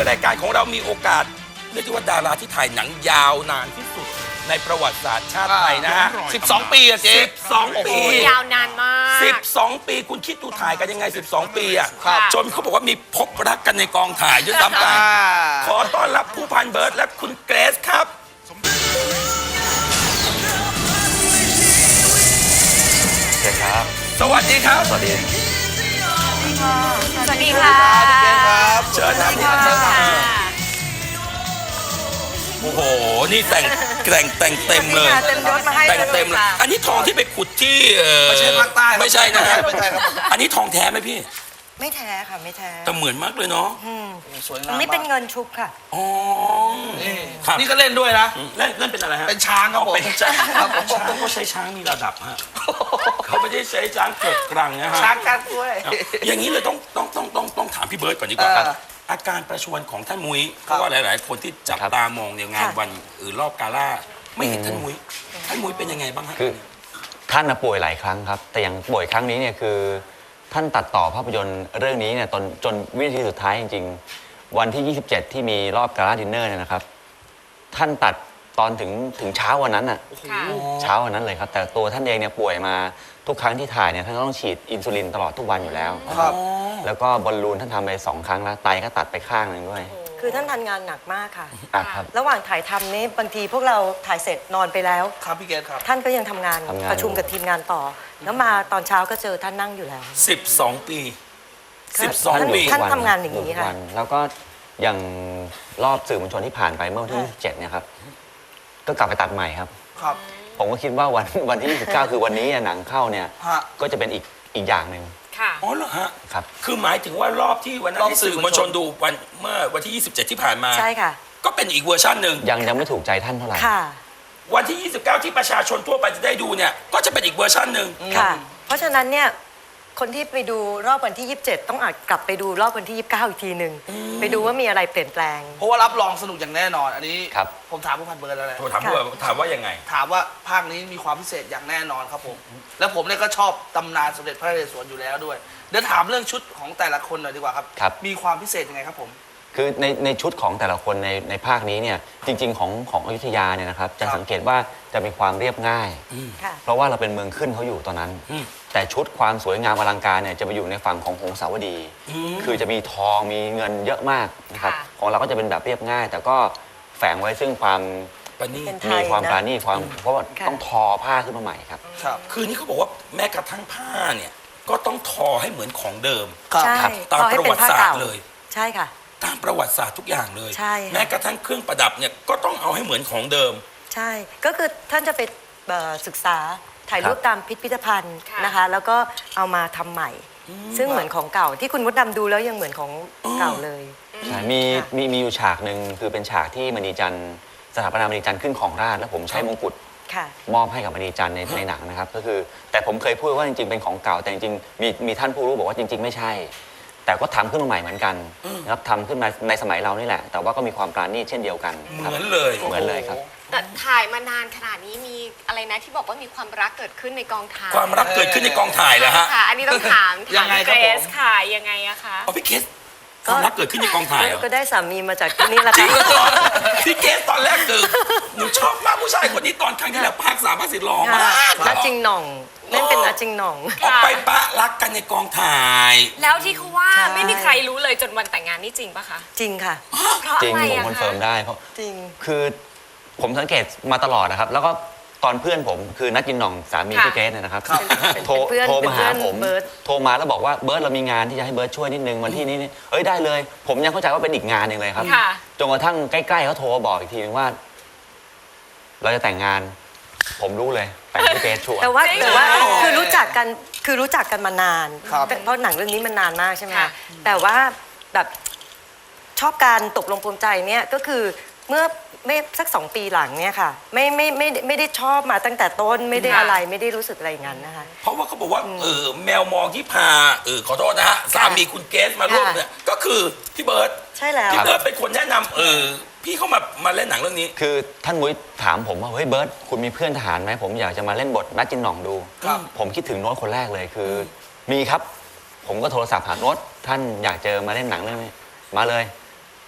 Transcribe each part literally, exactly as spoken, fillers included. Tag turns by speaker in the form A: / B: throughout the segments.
A: รายการของเรามีโอกาสเรียกได้ว่าดาราที่ถ่ายหนังยาวนานที่สุดในประวัติศาสตร์ชาติไทยนะฮะ
B: สิบสองปีอะเจ๊
A: สิบสองปี
C: ยาวนานมาก
A: สิบสองปีคุณคิดดูถ่ายกันยังไงสิบสองปีอ่ะ
C: ครับ
A: จนเขาบอกว่ามีพบรักกันในกองถ่ายด้วยซ้ำไปขอต้อนรับผู้พันเบิร์ดและคุณเกรซครับ
D: เชิญครับ
A: สวัสดีครับ
D: สวัสดี
C: สวัสดีค่ะ
A: เชิญนะพี่เชิญโอ้โหนี่แต่งแต่งแต่งเต็มเลย
C: เต็มยศมาให้
A: แต่งเต็มเลยอันนี้ทองที่ไปขุดที่ไม่ใช่ภาคใต้ไม่ใช่นะฮะอันนี้ทองแท้ไหมพี่
E: ไม่แท้ค่ะไม่แท้
A: แต่เหมือนมากเลยเนาะ
B: สวยงาม
E: อันนี้เป็นเงินชุบค่ะ
A: อ๋อ
B: นี่ก็เล่นด้วยนะ
A: เล่นเล่นเป็นอะไรฮะ
B: เป็นช้างครับผม
A: เป็นช้างช้างก็ใช้ช้างมีระดับฮะเขาไม่ได้ใช้ช้างเกิดกรังนะฮะ
B: ช้างกันด้วย
A: อย่างนี้เลยต้องต้องต้องต้องต้องถามพี่เบิร์ดก่อนดีกว่าครับอาการประชวรของท่านมุ้ยเพราะว่าหลายๆคนที่จับตามองในงานวันอื่นรอบกาล่าไม่เห็นท่านมุ้ยท่านมุ้ยเป็นยังไงบ้างฮะ
D: คือท่านป่วยหลายครั้งครับแต่อย่างป่วยครั้งนี้เนี่ยคือท่านตัดต่อภาพยนตร์เรื่องนี้เนี่ยตอนจนวินาทีสุดท้ายจริงๆวันที่ยี่สิบเจ็ดที่มีรอบกาล่าดินเนอร์เนี่ยนะครับท่านตัดตอนถึงถึงเช้าวันนั้นอ่ะเช้าวันนั้นเลยครับแต่ตัวท่านเองเนี่ยป่วยมาทุกครั้งที่ถ่ายเนี่ยท่านต้องฉีดอินซูลินตลอดทุกวันอยู่แล้ว
B: ครับ
D: แล้วก็บอลลูนท่านทำไปสองครั้งแล้วไตก็ตัดไปข้างหนึ่งด้วย
E: คือท่านทำงานหนักมากค่ะ
D: อ่ะครับ
E: ระหว่างถ่ายทำนี้บางทีพวกเราถ่ายเสร็จนอนไปแล้ว
B: ครับพี่เกศครับ
E: ท่านก็ยังทำงานประชุมกับทีมงานต่อแล้วมาตอนเช้าก็เจอท่านนั่งอยู่แล้ว
A: สิบสองปีสิบสองปี
E: ท่านทำงานอย่างนี้ค่ะ
D: แล้วก็อย่างรอบสื่อมวลชนที่ผ่านไปเมื่อวันที่ยี่สิบเจ็ดเนี่ยครับก็กลับไปตัดใหม่ครับ
B: ครับ
D: ผมก็คิดว่าวันวันที่ยี่สิบเก้าคือวันนี้หนังเข้าเนี่ยก็จะเป็นอีกอีกอย่างหนึ่ง
C: ค่ะ
A: อ๋อเหรอฮะ
D: ครับ
A: คือหมายถึงว่ารอบที่วันนั้นที่สื่อมวลชนดูวันเมื่อวันที่ยี่สิบเจ็ดที่ผ่านมา
E: ใช่ค่ะ
A: ก็เป็นอีกเวอร์ชันหนึ่ง
D: ยังยังไม่ถูกใจท่านเท่าไหร่
E: ค่ะ
A: วันที่ยี่สิบเก้าที่ประชาชนทั่วไปจะได้ดูเนี่ยก็จะเป็นอีกเวอร์ชันหนึ่ง
E: ค่ะเพราะฉะนั้นเนี่ยคนที่ไปดูรอบวันที่ยี่สิบเจ็ดต้องอาจกลับไปดูรอบวันที่ยี่สิบเก้าอีกทีหนึ่งไปดูว่ามีอะไรเปลี่ยนแปลง
B: เพราะว่ารับรองสนุกอย่างแน่นอนอันนี้
D: ครับ
B: ผมถามผู้พันเบิร์ดแล้วแหละ
A: ถามว่าถามว่ายังไง
B: ถามว่าภาคนี้มีความพิเศษอย่างแน่นอนครับผมแล้วผมเนี่ยก็ชอบตำนานสมเด็จพระนเรศวรอยู่แล้วด้วยเดี๋ยวถามเรื่องชุดของแต่ละคนหน่อยดีกว่าครับมีความพิเศษยังไงครับผม
D: คือในในชุดของแต่ละคนในในภาคนี้เนี่ยจริงๆของของอยุธยาเนี่ยนะครับจะสังเกตว่าจะมีความเรียบง่ายเพราะว่าเราเป็นเมืองขึ้นเขาอยู่ตอนนั้นแต่ชุดความสวยงามอลังการเนี่ยจะไปอยู่ในฝั่งของหงสาวดีคือจะมีทองมีเงินเยอะมากนะครับของเราก็จะเป็นแบบเรียบง่ายแต่ก็แฝงไว้ซึ่งความมีความปราณีตความเพราะว่าต้องทอผ้าขึ้นมาใหม่ครับ
A: คือนี่เขาบอกว่าแม้กระทั่งผ้าเนี่ยก็ต้องทอให้เหมือนของเดิม
E: ตาม
A: ประวัติศาสตร์เลย
E: ใช่ค่ะ
A: ตามประวัติศาสตร์ทุกอย่างเลย
E: ใช่
A: แม้กระทั่งเครื่องประดับเนี่ยก็ต้องเอาให้เหมือนของเดิม
E: ใช่ก็คือท่านจะไปศึกษาถ่ายรูปตามพิพิธภัณฑ์นะคะแล้วก็เอามาทำใหม่ซึ่งเหมือนของเก่าที่คุณมดดำดูแล้วยังเหมือนของเก่าเลย
D: ใช่มีมีมีอยู่ฉากหนึ่งคือเป็นฉากที่มณีจันทร์สถาปนามณีจันทร์ขึ้นของราชย์แล้วผมใช้มงกุฎมอบให้กับมณีจันทร์ในในหนังนะครับก็คือแต่ผมเคยพูดว่าจริงๆเป็นของเก่าแต่จริงๆมีมีท่านผู้รู้บอกว่าจริงๆไม่ใช่แต่ก็ทำขึ้นมาใหม่เหมือนกันนะครับทำขึ้นมาในสมัยเรานี่แหละแต่ว่าก็มีความปราณีตเช่นเดียวกัน
A: เหมือนเลย
D: เหมือนเลยครับ
C: แต่ถ่ายมานานขนาดนี้มีอะไรนะที่บอกว่ามีความรักเกิดขึ้นในกองถ่าย
A: ความรักเกิดขึ้นในกองถ่ายเหรอฮะ
C: ค่ะอันนี้ต้องถาม
B: ยังไง
C: เกรซค่ะยังไงอะคะ
A: อ๋อพี่เกรซความรักเกิดขึ้นในกองถ่ายเหรอ
E: ก็ได้สามีมาจากที่นี่แหละค่ะ
A: พี่เกรซตอนแรกคือหนูชอบมากผู้ชายคนนี้ตอนครั้งที่แล้วภาคสามภาคสี่หล่อมาก
E: นัดจริงหน่องเล่นเป็นนัดจริงหน่อง
A: ออกไปปะรักกันในกองถ่าย
C: แล้วที่เขาว่าไม่มีใครรู้เลยจนวันแต่งงานนี่จริงปะคะ
E: จริงค่ะ
D: จริงผมคอนเฟิร์มได้เพราะ
E: จริง
D: คือผมสังเกตมาตลอดนะครับแล้วก็ตอนเพื่อนผมคือนัดจินหน่องสามีพี่เกรซเนี่ยนะครับโทรโทรมาหาผมโทรมาแล้วบอกว่าเบิร์ดเรามีงานที่จะให้เบิร์ดช่วยนิดนึงวันที่นี้นี่เอ้ยได้เลยผมยังเข้าใจว่าเป็นอีกงานหนึ่งเลยครับจนกระทั่งใกล้ๆเขาโทรมาบอกอีกทีนึงว่าเราจะแต่งงานผมรู้เลยแต่งพี่เกรซชัวร์
E: แต่ว่าแต่ว่าคือรู้จักกันคือรู้จักกันมานานเพราะหนังเรื่องนี้มันนานมากใช่ไหมแต่ว่าแบบชอบการตกลงปลงใจเนี่ยก็คือเมื่อไม่สักสองปีหลังเนี่ยค่ะไม่ไม่ไม่ไม่ได้ชอบมาตั้งแต่ต้นไม่ได้อะไรไม่ได้รู้สึกอะไรอย่างนั้นนะคะ
A: เพราะว่าเขาบอกว่าเออแมวมองที่พาเออขอโทษนะฮะสามีคุณเกรซมาร่วมเนี่ยก็คือพี่เบิร์ด
E: ใช่แล้ว
A: พี่เบิร์ดเป็นคนแนะนำเออพี่เข้ามามาเล่นหนังเรื่องนี้
D: คือท่านมุ้ยถามผมว่าเฮ้ยเบิร์ดคุณมีเพื่อนทหารไหมผมอยากจะมาเล่นบทนัดจินหน่องดูผมคิดถึงโน้ตคนแรกเลยคือมีครับผมก็โทรศัพท์หาโน้ตท่านอยากเจอมาเล่นหนังเรื่องนี้มาเลย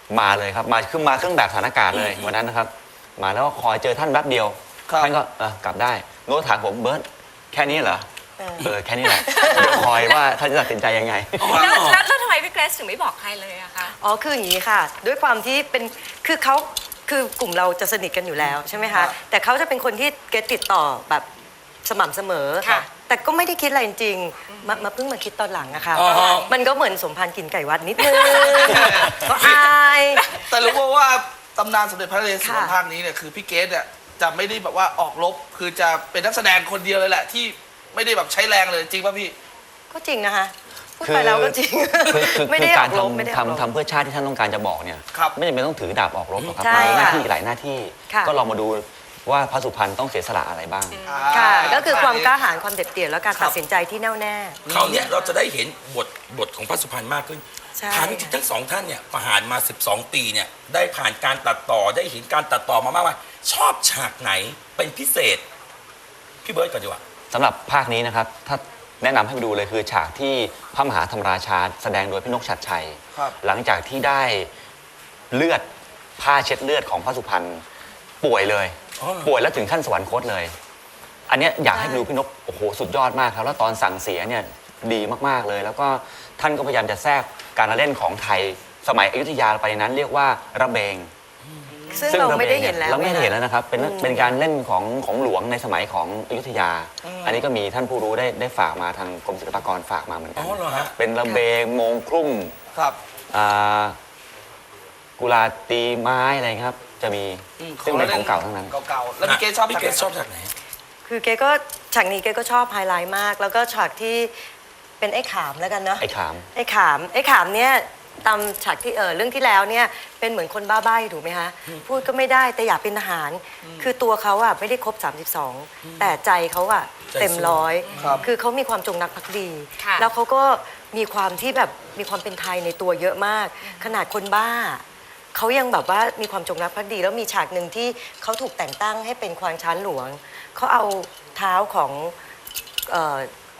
D: มาเลยครับมาขึ้นมาเครื่องแบบสถานการณ์เลยวันนั้นนะครับ มาแล้วก็คอยเจอท่านแป๊บเดียว
B: ครับ
D: ท่านก็เออกลับได้โน้ตถามผมเบิร์ตแค่นี้เหรอเออแค่นี้แหละเดี๋ยวคอยว่าท่านจะตัดสินใจยังไง
C: แล้วแล้วแล้วทำไมพี่เกรซถึงไม่บอกใครเลยอะคะ
E: อ๋อคืออย่างนี้ค่ะ ด้วยความที่เป็นคือเขาคือกลุ่มเราจะสนิทกันอยู่แล้วใช่ไหม
B: ครั
E: คะ
B: บ
E: แต่เขาจะเป็นคนที่เกตติดต่อแบบสม่ำเสมอ
C: ค่ะ
E: แต่ก็ไม่ได้คิดอะไรจริงๆมามาเพิ่งมาคิดตอนหลังอะค่ะ
A: อ๋อ
E: มันก็เหมือนสมพันธ์กินไก่วัดนิดนึงก็อาย
B: แต่รู้ว่าว่าตำนานสมเด็จพระนเรศวร
E: ค่ะ
B: ภาคนี้เนี่ยคือพี่เกสเนี่ยจะไม่ได้แบบว่าออกรบคือจะเป็นนักแสดงคนเดียวเลยแหละที่ไม่ได้แบบใช้แรงเลยจริงป่ะพี่
E: ก็จริงนะคะพูดไปแล้วก็จริง
D: คือคือ
E: ไม่
D: คื
E: ได้
D: อ
E: อ
D: การ
E: อกรบไม่ได้ออกรบ
D: ทำทำเพื่อชาติที่ท่านต้องการจะบอกเนี่ย
B: ครับ
D: ไม่จำเป็นต้องถือดาบออกรบหรอกครับ
E: ใช่
D: มีหน้า
E: ค่ะ
D: ที่หลายหน้าที่
E: ค่ะ
D: ก็ลองมาดูว่าพระสุพรรณต้องเสียสละอะไรบ้าง
E: ค่ะ ก็คือความกล้าหาญความเด็ดเดี่ยวและการ
B: ครับ
E: ตัดสินใจที่แน่วแน่
A: คราวเนี้ยเราจะได้เห็นบทบทของพระสุพรรณมากขึ้น
E: ใช่
A: ถามจริงๆทั้งสองท่านเนี่ยผ่านมาสิบสองปีเนี่ยได้ผ่านการตัดต่อได้เห็นการตัดต่อมามากมายชอบฉากไหนเป็นพิเศษ พี่เบิร์ดก่อนดีกว่า
D: สำหรับภาคนี้นะครับ ถ้าแนะนำให้ไปดูเลยคือฉากที่พระมหาธรรมราชาแสดงโดยพี่นกชัดชัย
B: ครับ
D: หลังจากที่ได้เลือดผ้าเช็ดเลือดของพระสุพรรณป่วยเลย
A: อ๋อเหรอ
D: ป่วยแล้วถึงขั้นสวรรคตเลย อันเนี้ยอยากให้ไปดูพี่นกโอ้โหสุดยอดมากครับแล้วตอนสั่งเสียเนี่ยดีมากๆเลย แล้วก็ท่านก็พยายามจะแทรกการละเล่นของไทยสมัยอยุธยาไปในนั้นเรียกว่าระเบง
E: ซึ่งเราไม่ได้เห็นแล้ว
D: เราไม่ได้เห็นแล้วนะครับ เป็น
E: อืม
D: เป็นการเล่นของของหลวงในสมัยของอยุธยา อันนี้ก็มีท่านผู้รู้ได้ได้ฝากมาทางกรมศิลปากรฝากมาเหมือนกั
A: อ๋อเหรอฮะ
D: เป็นระเบงโมงครุ่ม
B: ครับ
D: อ่ากุลาตีไม้อะไรครับ จะมี
B: อืม
D: ซึ่งเป็นของเก่าทั้งนั้น
B: เก่าๆแล้วพี่เกสชอบ
A: พี่เกสชอบ
B: ฉาก
A: ฉากไหน
E: คือเกก็ฉากนี้เกก็ชอบไฮไลท์มาก แล้วก็ฉากที่เป็นไอ้ขามแล้วกันเนาะ
D: ไอ้ขาม
E: ไอ้ขามไอ้ขามเนี่ยตามฉากที่เออเรื่องที่แล้วเนี่ยเป็นเหมือนคนบ้าใบ้ถูกไหมคะพูดก็ไม่ได้แต่อยากเป็นทหาร คือตัวเขาอะไม่ได้ครบ สามสิบสอง แต่ใจเขาอะเต็มร้อย
B: ครับ
E: คือเขามีความจงรักภักดี
C: ค่ะ
E: แล้วเขาก็มีความที่แบบมีความเป็นไทยในตัวเยอะมาก ขนาดคนบ้า เขายังแบบว่ามีความจงรักภักดี แล้วมีฉากหนึ่งที่เขาถูกแต่งตั้งให้เป็นควานช้างหลวง เขาเอาเท้าของเอ่อย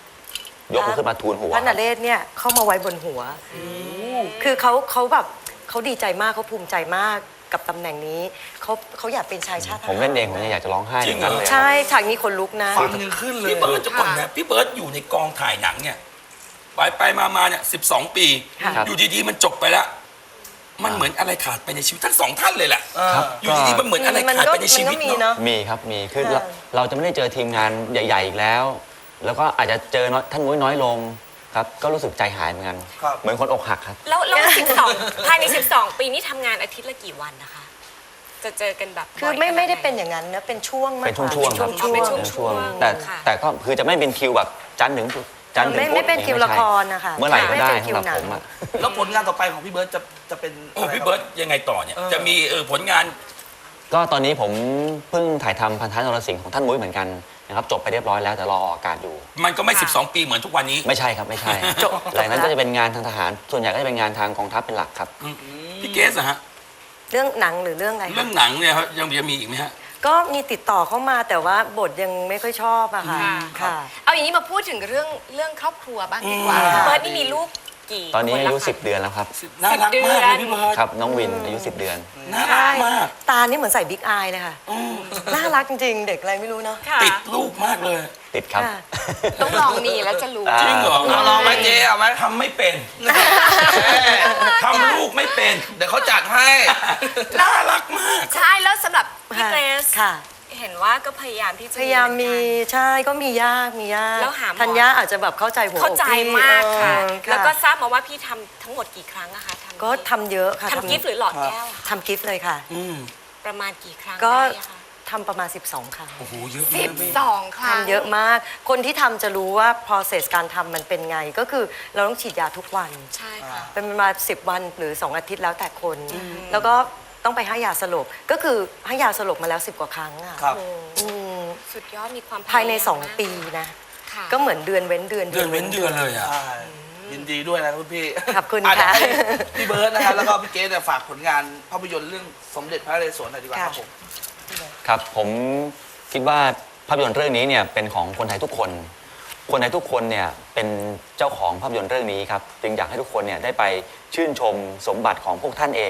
D: กขึ้นมาทูลหัว
E: พระนเรศเนี่ยเข้ามาไว้บนหัว คือเขาเขาแบบเขาดีใจมากเขาภูมิใจมากกับตำแหน่งนี้เขาเขาอยากเป็นชายชาติทหาร
D: ผมเล่นเองผมยังอยากจะร้องไห้
A: จริงเหรอ
D: เลย
E: ใช่ฉากนี้คนลุกนะ
B: ฟังยังขึ้นเลย
A: พี่เบิร์ดจะก่อนนะพี่เบิร์ดอยู่ในกองถ่ายหนังเนี่ยไปไปมามาเนี่ยสิบสองปี
E: ค่ะ
A: อยู่ดีๆมันจบไปแล้ว มันเหมือนอะไรขาดไปในชีวิตทั้งสองท่านเลยแหละ
D: ครับ
A: อยู่ดีๆมันเหมือนอะไร
E: มัน
A: ขาด
E: ก็
A: ไปในชี
E: มัน
A: วิ
E: ก็
A: ต
E: มี
A: เนาะ
E: เนาะ
D: มีครับมีคือ
E: เออ
D: เราเราจะไม่ได้เจอทีมงานใหญ่ ๆ อีกแล้ว แล้วก็อาจจะเจอน้อยท่านมุ้ยน้อยลงครับ ก็รู้สึกใจหายเหมือนกัน
B: ครับ
D: เหมือนคนอกหักครับ
C: แล้วแล้วสิบสองภายในสิบสองปีนี้ทำงานอาทิตย์ละกี่วันนะคะ จะเจอกันแบบ
E: คือไม่ไม่ได้เป็นอย่างนั้นนะเป็นช่วงมาก
D: เป็น
E: กว่า
D: ช่วงๆครับ
E: ช่วง
C: เป็น
E: ๆ
C: ช่วง
D: ช่วง
C: ๆ
D: แต่
C: ค่ะ
D: แต่ก็คือจะไม่เป็นคิวแบบจันทร์ถึงจันทร์ถึง
E: ไม่
D: พุธ
E: ไม่เป็นคิว
D: ไม่
E: ละ
D: ใช่
E: ครนะคะ
D: เมื่อไหร่ก็ได้
E: ไม่เป็นคิ
D: สำ
E: ว
D: หรับ
E: หนัง
D: ผมอะ
B: แล้วผลงานต่อไปของพี่เบิร์ตจะจะเป็น
A: โอ้
B: อะไร
A: พี่
B: ค
A: เบิ
B: รั
A: ร์ดยังไงต่อเนี่ย
B: เออ
A: จะมีเออผลงาน
D: ก็ตอนนี้ผมเพิ่งถ่ายทำพันธะนรสิงห์ของท่านมุ้ยเหมือนกันนะครับจบไปเรียบร้อยแล้วแต่รอออกอากาศอยู่
A: มันก็ไม่สิบสองปีเหมือนทุกวันนี้
D: ไม่ใช่ครับไม่ใช่
E: จบ
D: หลังนั้นก็จะเป็นงานทางทหาร ส่วนใหญ่ก็จะเป็นงานทางกองทัพเป็นหลักครับ
A: พี่เกสอะฮะ
E: เรื่องหนังหรือเรื่องอะไรคะ
A: เรื่องหนังเนี่ยครับยังจะมีอีกไหมฮะ
E: ก็มีติดต่อเข้ามาแต่ว่าบทยังไม่ค่อยชอบอะค่ะ
C: ค่ะ
E: ค่ะ
C: เอาอย่างนี้มาพูดถึงเรื่องเรื่องครอบครัวบ้างดีกว่า
E: อืม
C: เบิร์ดนี่มีลูกกี่
D: ตอนนี้
C: ค
D: อา
C: ละ
D: ยุ
C: คะ
D: สิบเดือนแล้วครับ
A: น่ารักมากเลยพี่เบิร์ด
D: ครับน้องวินอายุสิบเดือน
A: น่ารักมาก
E: ตานี่เหมือนใส่บิ๊กอายเลยค่ะ น่ารักจริงๆ เด็กอะไรไม่รู้เนาะ
C: ค่ะ
A: ติดลูกมากเลย
D: ติดครับ
E: ค่ะ
C: ต้องลองมีแล้วจะรู้
A: จริงเหรอ
B: เอาลองไหมเจ๊เอาไหม
A: ทำไม่เป็นทำลูกไม่เป็น
B: เดี๋ยวเขาจัดให้
A: น่ารักมาก
C: ใช่แล้วสำหรับพี่
E: ค่ะ
C: เกรซ
E: ค่ะ
C: เห็นว่าก็พยายามที่จะ
E: พยายามมี
C: เหอนกัน
E: ใช่ก็มียากมียาก
C: แล้วหาหมอ
E: ธัญญาอาจจะแบบเข้าใจหัวอก
C: เข้าใจ
E: พี่
C: มากค่ะ
E: เออ
C: แล้วก็ทราบมาว่าพี่ทำทั้งหมดกี่ครั้งอะคะทำ
E: ก็ทำเยอะค่ะ
C: ทำกิฟต์หรือหลอดแก้วอะคะ
E: ทำกิฟต์เลยค่ะ
A: อืม
C: ประมาณกี่ครั้ง
E: ก็
C: ได้อะคะ
E: ทำประมาณ สิบสอง ครั้ง
A: โอ้โหเยอะ
C: สิ
A: มาก
C: บ
A: พี่
C: สองครั้ง
E: ทำเยอะมาก คนที่ทำจะรู้ว่า process การทำมันเป็นไง ก็คือเราต้องฉีดยาทุกวัน
C: ใช่ค่ะ
E: เป็นประมาณสิบวันหรือสองอาทิตย์แล้วแต่คน แล้วก็ต้องไปให้ยาสลบ ก็คือให้ยาสลบมาแล้วสิบกว่าครั้งอ่ะ
B: ครับ
E: อืม
C: สุดยอดมีความ
E: ภายใน
C: พม
E: สอง
C: มาก
E: ปีนะ
C: ค่ะ
E: ก็เหมือนเดือนเว้นเดือน
A: เดือนเว้นเดือนเลยอ่ะ
B: ใช่ยินดีด้วยนะครับคุณพี่
E: ขอบคุณ
B: อ่เดี๋ยว
E: ค่ะ
B: ให้พี่เบิร์ตนะครับแล้วก็พี่เกสเนี่ยฝากผลงานภาพยนตร์เรื่องสมเด็จพระนเรศวรหน่อยดีกว่าครับผม
D: ครับผมคิดว่าภาพยนตร์เรื่องนี้เนี่ยเป็นของคนไทยทุกคน คนไทยทุกคนเนี่ยเป็นเจ้าของภาพยนตร์เรื่องนี้ครับจึงอยากให้ทุกคนเนี่ยได้ไปชื่นชมสมบัติของพวกท่านเอง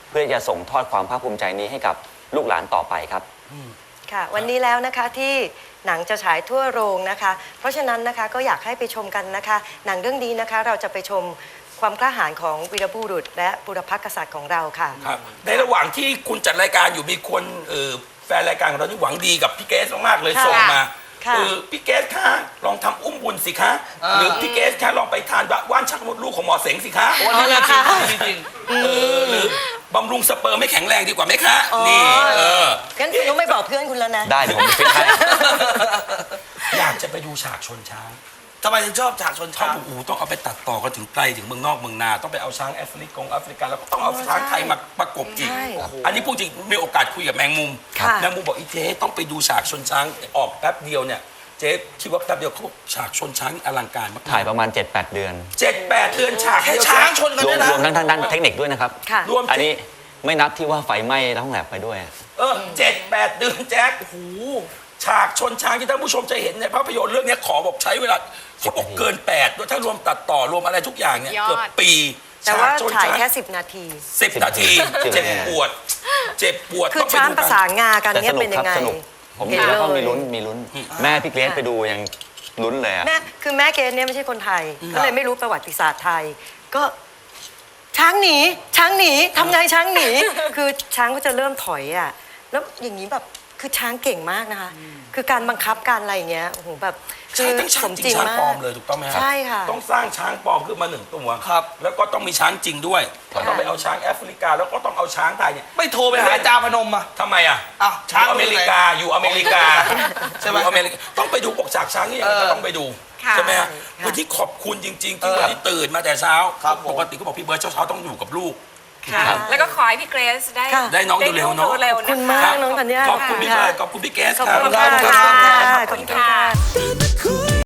D: เพื่อจะส่งทอดความภาคภูมิใจนี้ให้กับลูกหลานต่อไปครับ
E: ค่ะวันนี้แล้วนะคะที่หนังจะฉายทั่วโรงนะคะ เพราะฉะนั้นนะคะก็อยากให้ไปชมกันนะคะ หนังเรื่องนี้นะคะเราจะไปชมความกล้าหาญของวีรบุรุษ และบุรพกษัตริย์ของเราค่ะ
A: ครับในระหว่างที่คุณจัดรายการอยู่มีคนเออแฟนรายการของเราที่หวังดีกับพี่เกสมากๆเลย
E: ค่ะ
A: ส่งมา
E: ค่ะ
A: เออพี่เกสคะลองทำอุ้มบุญสิคะหรือพี่เกสคะลองไปทานว่านชักมดลูกของหมอเสงสิคะ
B: วันนี้จริงจริงจริง
A: เออหรือบำรุงสเปิร์มไม่แข็งแรงดีกว่าไหมคะ
E: อ๋อ
A: นี่เออ
E: งั้นคุณต้องไม่บอกเพื่อนคุณแล้วนะ
D: ได้เดี๋ยวผมฟิตให้
A: อยากจะไปดูฉากชนช้าง
B: ทำไมถึงชอบฉากชน
A: เขา
B: ช้าง
A: บอกโอ้โหต้องเอาไปตัดต่อกันถึงไกลถึงเมืองนอกเมืองนาต้องไปเอาช้างแอฟริกงแอฟริกาแล้วก็ต้องเอาช้างไทยมาประกบอีก
E: ใช่
A: อันนี้พูดจริงมีโอกาสคุยกับแมงมุม
E: ค่ะ
A: แมงมุมบอกอีเจ๊ต้องไปดูฉากชนช้างออกแป๊บเดียวเนี่ยเจ๊คิดว่าแป๊บเดียวเขาฉากชนช้างอลังการมาก
D: ถ่ายประมาณ เจ็ดแปด เดือน
A: เจ็ดแปดเดือนฉาก
B: แค่
A: เดียว
B: ช้างชนกัน
D: รว
B: ด้
D: ม
B: วยนะ
D: รวมทั้งทางด้านเทคนิคด้วยนะครับ
E: ค่ะ
A: รวม
D: อันนี้ไม่นับที่ว่าไฟไหม้ท้องแลบไปด้วย
A: เออเจ็ดแปดเดือนแจ๊คโอ้โหฉากชนช้างที่ท่านผู้ชมจะเห็นในภาพยนตร์เรื่องนี้ขอบอกใช้เวลาเขาบอกเกินแปดด้วยถ้ารวมตัดต่อรวมอะไรทุกอย่างเนี่ย
C: ยอด
A: เกือบปี
E: แต่ว่า
A: ฉกชน
E: ถ่าย
A: ช้ง
E: แค่สิบนาที
A: สิบนาที
D: สิบ
A: เจ็บ
D: นาที
A: ปวด เจ็บปวด
E: คือ
A: ต้องไป
E: ช้าง
A: ดู
E: ประ
A: กั
E: สานงากัน
D: แต่
E: เนี่
D: ส
E: ย
D: นุ
E: เป็
D: ก
E: น
D: ค
E: ยั
D: รับ
E: งไง
D: สนุกผม
E: เห็น
D: แล้วก็
E: เลย
D: มีลุ้นมีลุ้น แม่พี่เกรซไปดูยังลุ้นเลยอะ
E: แม่คือแม่เกณฑ์เนี่ยไม่ใช่คนไทย ก็เลยไม่รู้ประวัติศาสตร์ไทย ก็ช้างหนีช้างหนีทำไงช้างหนี คือช้างก็จะเริ่มถอยอ่ะแล้วอย่างนี้แบบคือช้างเก่งมากนะคะ คือการบังคับการอะไรอย่างเงี้ยโอ้โหแบบคื
A: ใช่
E: อ
A: ทั้งช้า
E: ส
A: ง
E: ม
A: จ
E: จ
A: ริ
E: ริ
A: ง
E: ง
A: ช้าง
E: มา
A: ปลอม
E: ก
A: เลยถูกต้องไหมครับ
E: ใช่ค่ะ
A: ต้องสร้างช้างปลอมขึ้นมาหนึ่งตัว
B: ครับ
A: แล้วก็ต้องมีช้างจริงด้วย
D: ครับ
A: ต้องไปเอาช้างแอฟริกาแล้วก็ต้องเอาช้างไทยเนี่ย
B: ไม่โทรไปหาอาจารย์พนมอ่ะ
A: ทำไมอ่ะ
B: อ้าว
A: อ
B: ช้าง
A: ยู่อเมริกาอยู่อเมริกา
B: ใช่ไหม
A: อยู่อเมริกาต้องไปดูปกฉากช้างนี่ยังไงก็ต้องไปดู
C: ค่ะ
A: ใช่ไหมฮะ
E: ค่ะ
A: วันที่ขอบคุณจริง ๆ ที่
B: เออ
A: วันนี้ตื่นมาแต่เช้า
B: ครับผม
A: ปกติก็บอกพี่เบิร์ดเช้าๆต้องอยู่กับลูก
C: ค่ะ แล้วก็ขอให้พี่เกรซได้
E: ค่ะ
A: ได้น้องเร็วๆเนอะ
C: เร็ว
E: ขอบ
C: ๆ
E: คุณ
C: นะ
E: มาก
C: คะ
E: น้องธัญญา
A: ขอบคุณพี่เบิร์ดขอบคุณพี่แกส
E: ขอบ
A: ครับ
E: คุณมาก
B: ขอบคุณ
E: ค่ะ
B: ครับ
E: ขอบคุณค่ะ